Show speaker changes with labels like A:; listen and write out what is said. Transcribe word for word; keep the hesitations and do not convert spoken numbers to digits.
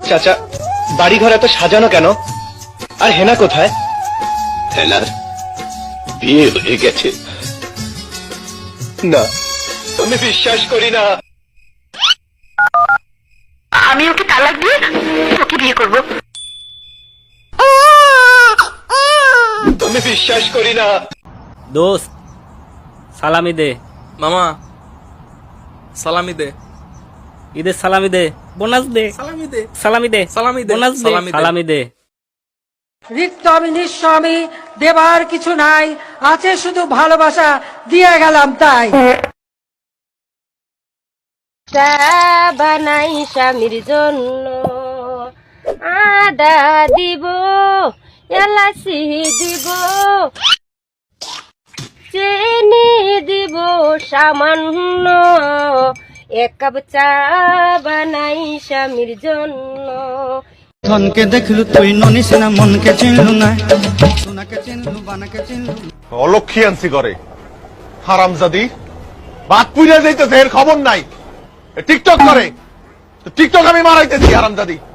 A: চাচা, বাড়ি ঘর এত সাজানো কেন? আর হেনা কোথায়?
B: হেনার বিয়ে হয়ে গেছে।
A: না, আমি বিশ্বাস করি না।
C: আমি ওকে তালাক দিয়ে ওকে বিয়ে করব।
A: আমি বিশ্বাস করি না।
D: দোস্ত সালামি দে।
E: মামা সালামি দে,
D: ঈদের সালামি দে, বোনাস দে,
E: সালামি দে,
D: সালামি দে,
E: সালামি দে,
D: বোনাস দে,
E: সালামি দে।
D: সালামি দে।
F: রিক্ত আমি নিঃস্ব আমি, দেবার কিছু নাই, আছে শুধু ভালোবাসা, দিয়ে গেলাম তাই।
G: চা বানাই স্বামীর জন্য, আদা দিব, এলাচি দিব, চিনি দিব সামান্য, এক কাপ চা বানাই স্বামীর জন্য।
H: ধনকে দেখলু তুই ননিস না, মনকে চিনলু না, সোনাকে চিনলু বানাকে চিনলু।
I: অলক্ষী আনছি করে হারামজাদি, বাদ পুইরা যাইতেছে, এর খবর নাই। টিকটক করে, টিকটক আমি মারাইতেছি হারামজাদি।